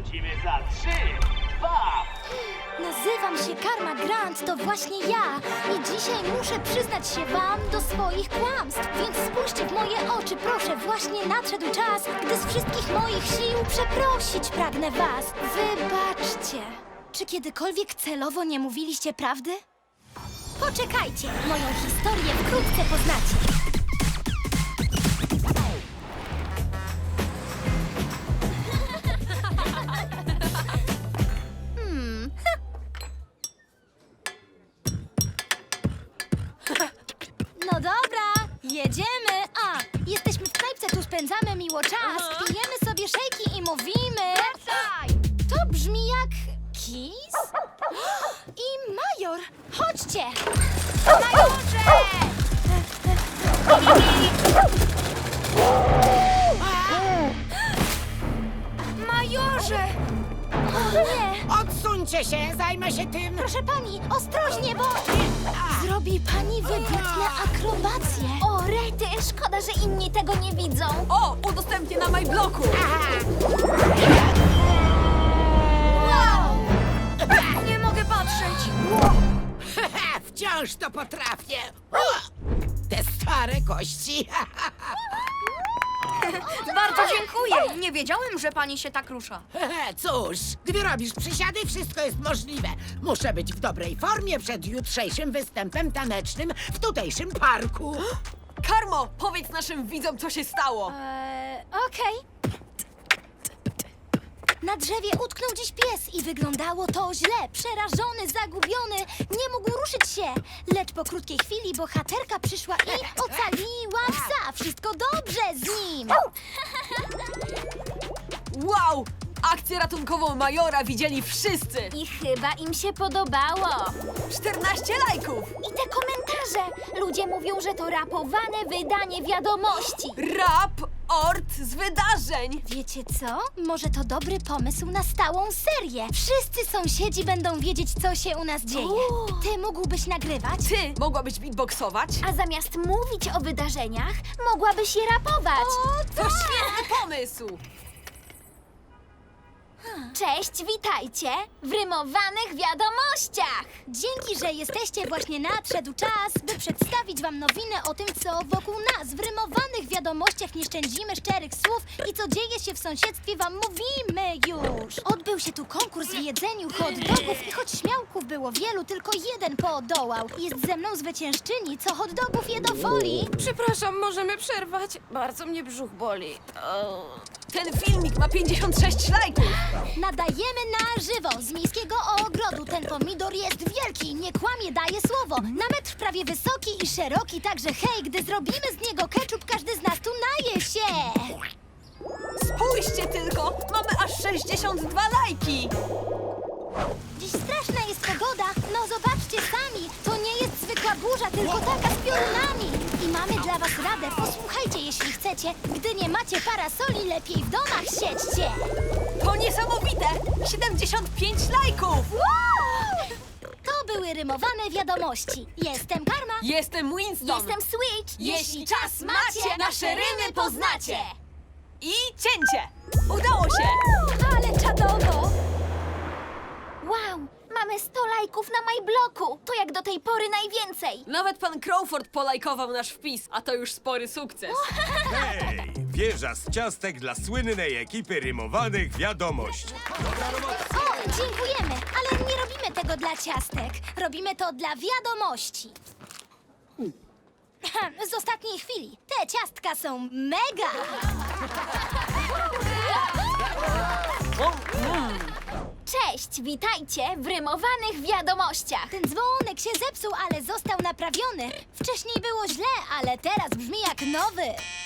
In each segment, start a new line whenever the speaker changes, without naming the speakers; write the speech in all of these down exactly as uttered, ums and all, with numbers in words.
wrócimy za trzy, dwa.
Nazywam się Karma Grant, to właśnie ja. I dzisiaj muszę przyznać się wam do swoich kłamstw. Więc spójrzcie w moje oczy, proszę. Właśnie nadszedł czas, gdy z wszystkich moich sił przeprosić pragnę was. Wybaczcie. Czy kiedykolwiek celowo nie mówiliście prawdy? Poczekajcie, moją historię wkrótce poznacie. Hmm. No dobra, jedziemy. A, jesteśmy w knajpce, tu spędzamy miło czas. Pijemy sobie szejki i mówimy. To brzmi jak Kiss i Major. Chodźcie. Majorze! Majorze! O nie!
Odsuńcie się, zajmę się tym.
Proszę pani, ostrożnie, bo zrobi pani wybitne akrobacje. O, rety, szkoda, że inni tego nie widzą.
O, udostępnię na MyBlocku!
Wow! Nie mogę patrzeć.
Wciąż to potrafię. O, te stare kości.
Bardzo dziękuję! Nie wiedziałem, że pani się tak rusza.
Cóż, gdy robisz przysiady, wszystko jest możliwe. Muszę być w dobrej formie przed jutrzejszym występem tanecznym w tutejszym parku.
Karmo, powiedz naszym widzom, co się stało.
Eee, okej. Na drzewie utknął dziś pies i wyglądało to źle. Przerażony, zagubiony, nie mógł ruszyć się. Lecz po krótkiej chwili bohaterka przyszła i ocaliła psa. Wszystko dobrze z nim.
Wow! Akcję ratunkową Majora widzieli wszyscy!
I chyba im się podobało.
czternaście lajków!
I te komentarze. Ludzie mówią, że to rapowane wydanie wiadomości.
Rap ort z wydarzeń!
Wiecie co? Może to dobry pomysł na stałą serię. Wszyscy sąsiedzi będą wiedzieć, co się u nas dzieje. Ty mógłbyś nagrywać,
Ty mogłabyś beatboxować?
a zamiast mówić o wydarzeniach, mogłabyś je rapować.
To świetny pomysł!
Cześć, witajcie w rymowanych wiadomościach! Dzięki, że jesteście, właśnie nadszedł czas, by przedstawić wam nowinę o tym, co wokół nas. W rymowanych wiadomościach nie szczędzimy szczerych słów i co dzieje się w sąsiedztwie wam mówimy już. Odbył się tu konkurs w jedzeniu hot dogów i choć śmiałków było wielu, tylko jeden podołał. Jest ze mną zwyciężczyni, co hot dogów je do folii.
Przepraszam, możemy przerwać? Bardzo mnie brzuch boli. O.
Ten filmik ma pięćdziesiąt sześć lajków!
Nadajemy na żywo z miejskiego ogrodu. Ten pomidor jest wielki, nie kłamie, daje słowo. Na metr prawie wysoki i szeroki, także hej, gdy zrobimy z niego ketchup, każdy z nas tu naje się.
Spójrzcie tylko! Mamy aż sześćdziesiąt dwa lajki!
Dziś straszna jest pogoda, no zobaczcie sami. To nie jest zwykła burza, tylko taka z piorunami. I mamy dla was radę, posłuchajcie jeśli chcecie. Gdy nie macie parasoli, lepiej w domach siedźcie.
To niesamowite! siedemdziesiąt pięć lajków!
Wow! To były rymowane wiadomości. Jestem Karma.
Jestem Winston!
Jestem Switch.
Jeśli czas macie, nasze rymy poznacie! I cięcie! Udało się!
Ale czadowo! Wow, mamy sto lajków na MyBlocku. To jak do tej pory najwięcej.
Nawet pan Crawford polajkował nasz wpis, a to już spory sukces.
Hej! Wieża z ciastek dla słynnej ekipy rymowanych wiadomości.
O, dziękujemy, ale nie robimy tego dla ciastek. Robimy to dla wiadomości. Z ostatniej chwili. Te ciastka są mega! Cześć, witajcie w rymowanych wiadomościach. Ten dzwonek się zepsuł, ale został naprawiony. Wcześniej było źle, ale teraz brzmi jak nowy.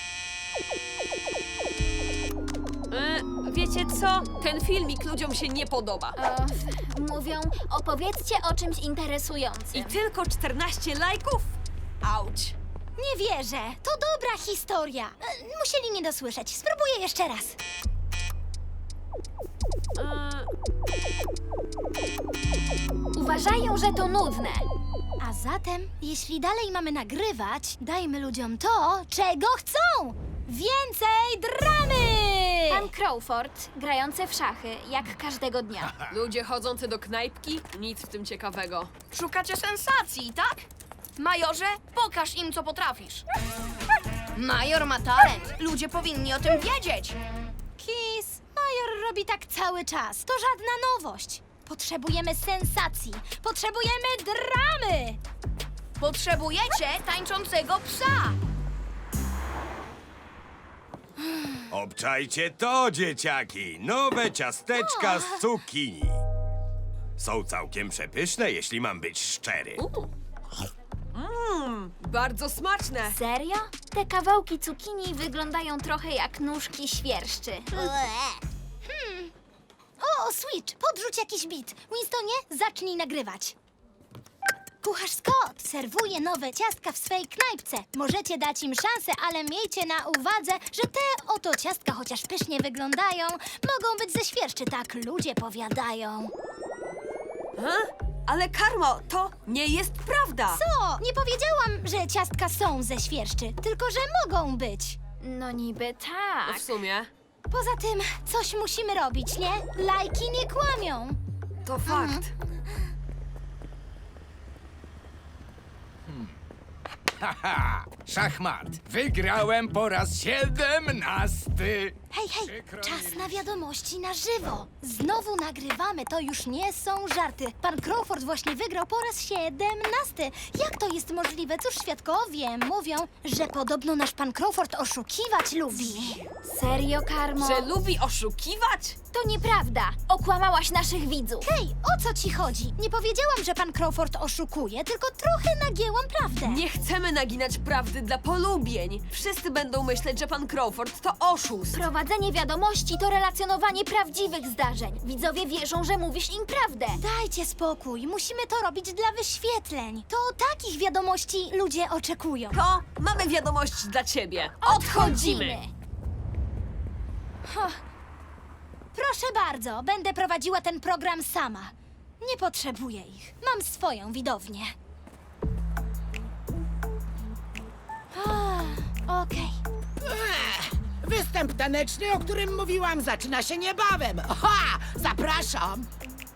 E, wiecie co? Ten filmik ludziom się nie podoba.
Mówią, opowiedzcie o czymś interesującym.
I tylko czternaście lajków? Auć.
Nie wierzę, to dobra historia. E, Musieli nie dosłyszeć. Spróbuję jeszcze raz.
E,
Uważają, że to nudne. A zatem, jeśli dalej mamy nagrywać, dajmy ludziom to, czego chcą. Więcej dramy!
Pan Crawford, grający w szachy, jak każdego dnia.
Ludzie chodzący do knajpki? Nic w tym ciekawego.
Szukacie sensacji, tak? Majorze, pokaż im, co potrafisz. Major ma talent. Ludzie powinni o tym wiedzieć.
Kis, Major robi tak cały czas. To żadna nowość. Potrzebujemy sensacji. Potrzebujemy dramy!
Potrzebujecie tańczącego psa.
Obczajcie to, dzieciaki! Nowe ciasteczka z cukinii. Są całkiem przepyszne, jeśli mam być szczery.
Mmm, bardzo smaczne.
Serio? Te kawałki cukinii wyglądają trochę jak nóżki świerszczy.
Hmm. O, Switch, podrzuć jakiś bit. Winstonie, zacznij nagrywać. Kucharz Scott serwuje nowe ciastka w swej knajpce. Możecie dać im szansę, ale miejcie na uwadze, że te oto ciastka, chociaż pysznie wyglądają, mogą być ze świerszczy, tak ludzie powiadają.
Ha? Ale Karmo, to nie jest prawda.
Co? Nie powiedziałam, że ciastka są ze świerszczy, tylko że mogą być.
No niby
No
tak.
w sumie,
Poza tym, coś musimy robić, nie? Lajki nie kłamią.
to fakt.
Haha, szachmat. Wygrałem po raz siedemnasty.
Hej, hej,
Przykro mi,
czas na wiadomości na żywo. Znowu nagrywamy, to już nie są żarty. Pan Crawford właśnie wygrał po raz siedemnasty. Jak to jest możliwe? Cóż, świadkowie mówią, że podobno nasz pan Crawford oszukiwać lubi.
Serio, Karmo?
Że lubi oszukiwać?
To nieprawda. Okłamałaś naszych widzów.
Hej, o co ci chodzi? Nie powiedziałam, że pan Crawford oszukuje, tylko trochę nagięłam prawdę.
Nie chcemy naginać prawdy dla polubień. Wszyscy będą myśleć, że pan Crawford to oszust.
Prowadzenie wiadomości to relacjonowanie prawdziwych zdarzeń. Widzowie wierzą, że mówisz im prawdę.
Dajcie spokój, musimy to robić dla wyświetleń. To takich wiadomości ludzie oczekują.
To mamy wiadomość dla ciebie.
Odchodzimy.
Proszę bardzo, będę prowadziła ten program sama. Nie potrzebuję ich. Mam swoją widownię. Ah, Okej.
Ech, występ taneczny, o którym mówiłam, zaczyna się niebawem. Aha, zapraszam.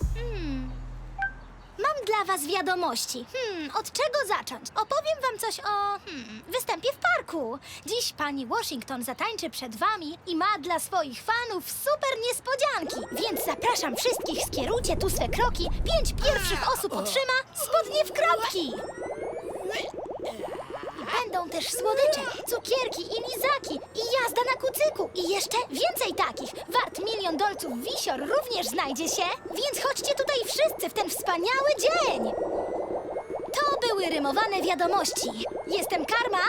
Mam dla was wiadomości. Hmm, od czego zacząć? Opowiem wam coś o hmm, występie w parku. Dziś pani Washington zatańczy przed wami i ma dla swoich fanów super niespodzianki. Więc zapraszam wszystkich, skierujcie tu swe kroki. Pięć pierwszych osób otrzyma spodnie w kropki. I będą też słodycze, cukierki i lizaki i jazda na kucyku. I jeszcze więcej takich. Wart milion dolców wisior również znajdzie się. Więc chodźcie tutaj wszyscy w ten wspaniały dzień. To były rymowane wiadomości. Jestem Karma.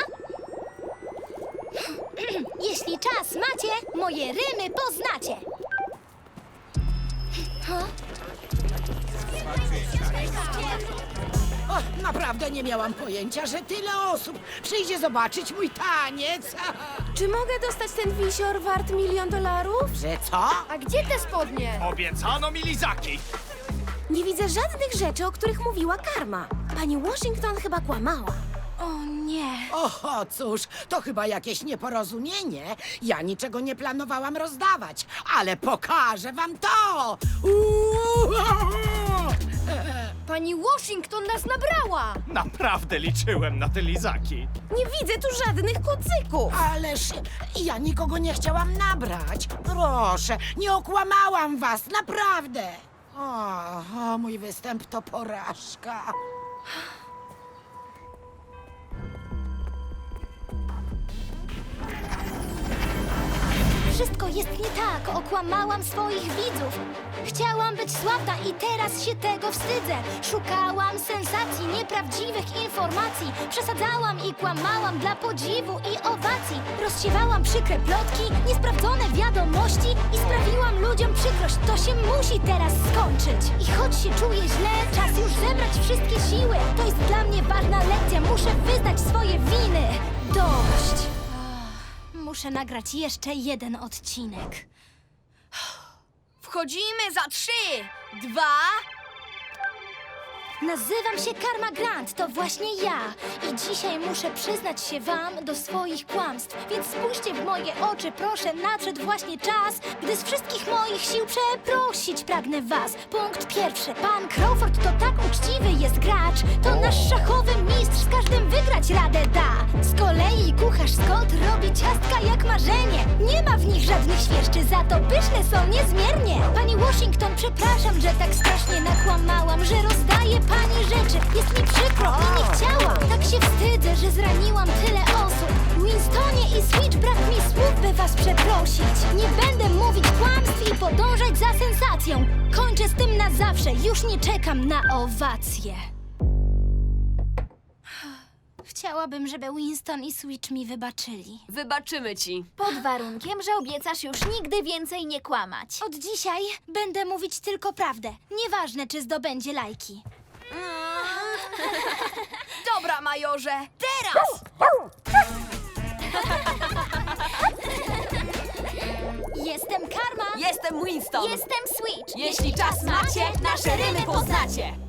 Jeśli czas macie, moje rymy poznacie.
O, naprawdę nie miałam pojęcia, że tyle osób przyjdzie zobaczyć mój taniec.
Czy mogę dostać ten wisior wart milion dolarów?
Że co?
A gdzie te spodnie?
Obiecano mi lizaki.
Nie widzę żadnych rzeczy, o których mówiła Karma. Pani Washington chyba kłamała.
O nie.
Oho, cóż, to chyba jakieś nieporozumienie. Ja niczego nie planowałam rozdawać, ale pokażę wam to! Uuu!
Pani Washington nas nabrała!
Naprawdę liczyłem na te lizaki.
Nie widzę tu żadnych kucyków!
Ależ ja nikogo nie chciałam nabrać. Proszę, nie okłamałam was, naprawdę. O, o mój występ to porażka.
Wszystko jest nie tak. Okłamałam swoich widzów. Chciałam być sławna i teraz się tego wstydzę. Szukałam sensacji, nieprawdziwych informacji. Przesadzałam i kłamałam dla podziwu i owacji. Rozsiewałam przykre plotki, niesprawdzone wiadomości i sprawiłam ludziom przykrość. To się musi teraz skończyć. I choć się czuję źle, czas już zebrać wszystkie siły. To jest dla mnie ważna lekcja. Muszę wyznać swoje winy. Dość. Muszę nagrać jeszcze jeden odcinek.
Wchodzimy za trzy, dwa...
Nazywam się Karma Grant, to właśnie ja. I dzisiaj muszę przyznać się wam do swoich kłamstw. Więc spójrzcie w moje oczy, proszę, nadszedł właśnie czas, gdy z wszystkich moich sił przeprosić pragnę was. Punkt pierwszy. Pan Crawford to tak uczciwy jest gracz. To nasz szachowy mistrz, z każdym wygrać radę da. Z kolei kucharz Scott robi ciastka jak marzenie. Nie ma w nich żadnych świerszczy, za to pyszne są niezmiernie. Pani Washington, przepraszam, że tak strasznie nakłamałam, że rozdaję pani rzeczy. Jest mi przykro i nie chciałam. Tak się wstydzę, że zraniłam tyle osób. Winstonie i Switch, brak mi słów, by was przeprosić. Nie będę mówić kłamstw i podążać za sensacją. Kończę z tym na zawsze, już nie czekam na owacje. Chciałabym, żeby Winston i Switch mi wybaczyli.
Wybaczymy ci.
Pod warunkiem, że obiecasz już nigdy więcej nie kłamać.
Od dzisiaj będę mówić tylko prawdę. Nieważne, czy zdobędzie lajki.
Dobra, majorze, teraz!
Jestem Karma.
Jestem Winston.
Jestem Switch.
Jeśli czas macie, nasze rymy poznacie.